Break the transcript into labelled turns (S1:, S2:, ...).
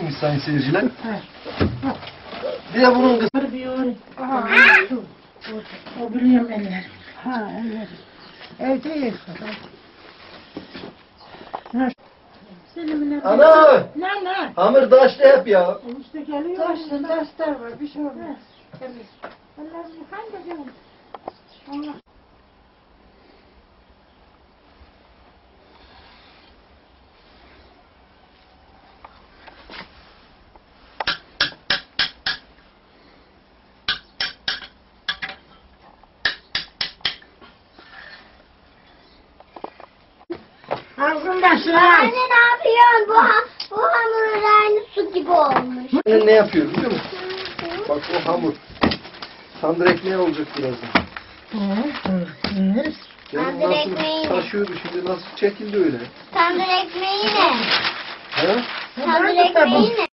S1: yapmış sayın seyirciler. Bir de bunun kızı.
S2: O biliyorum eller. Ha eller. Evdeyiz.
S1: Ana!
S2: Ne?
S1: Hamur taşlı hep ya.
S2: İşte geliyor. Taşlar var. Bir şey olmaz. Ellerini yıkayın da canım. Allah. Ağzından şuna.
S3: Anne ne yapıyorsun? Bu hamur aynı su gibi olmuş.
S1: Ne yapıyor biliyor musun? Bak o hamur. Tandır ekmeği olacak birazdan. Yani
S3: Tandır
S1: nasıl
S3: ekmeği mi?
S1: taşıyordu şimdi nasıl çekildi öyle.
S3: Tandır ekmeği ne?
S1: He?
S3: Tandır ekmeği ne?